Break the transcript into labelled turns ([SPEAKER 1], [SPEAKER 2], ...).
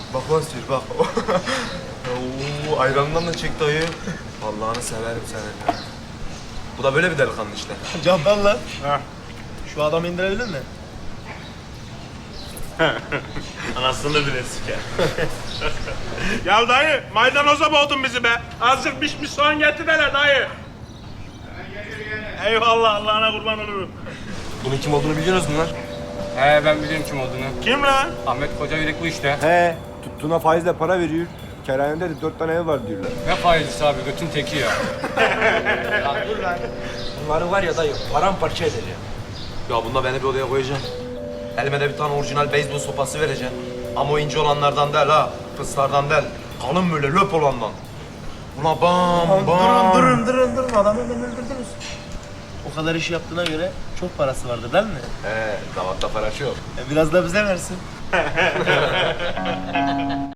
[SPEAKER 1] Bak lan sür bak. Oo, ayranından da çek dayı. Allah'ını severim senin ya. Bu da böyle bir delikanlı işte.
[SPEAKER 2] Cabbar lan. Şu adamı indirebilir mi?
[SPEAKER 3] Anasını bile siker. Ya dayı, maydanoza boğdun bizi be. Azıcık pişmiş soğan getir hele dayı. Eyvallah, Allah'ına kurban olurum.
[SPEAKER 1] Bunun kim olduğunu biliyorsunuz mu lan?
[SPEAKER 4] He ben biliyorum kim olduğunu.
[SPEAKER 3] Kim lan?
[SPEAKER 4] Ahmet Koca Yürek bu işte.
[SPEAKER 5] He, tuttuğuna faizle para veriyor. Kerhanede de 4 tane ev var diyorlar.
[SPEAKER 4] Ne faizlisi abi götün teki ya.
[SPEAKER 6] Bunları var ya dayı paramparça edeceğim.
[SPEAKER 1] Ya bunda beni bir odaya koyacaksın. Elime de bir tane orijinal beyzbol sopası vereceksin. Ama o ince olanlardan değil ha. Fıslardan değil. Kalın böyle löp olandan. Buna bam bam.
[SPEAKER 2] Durun. Adamı hemen öldürdünüz. O kadar iş yaptığına göre çok parası vardı değil mi?
[SPEAKER 1] He, davatta para çok.
[SPEAKER 2] Biraz da bize versin.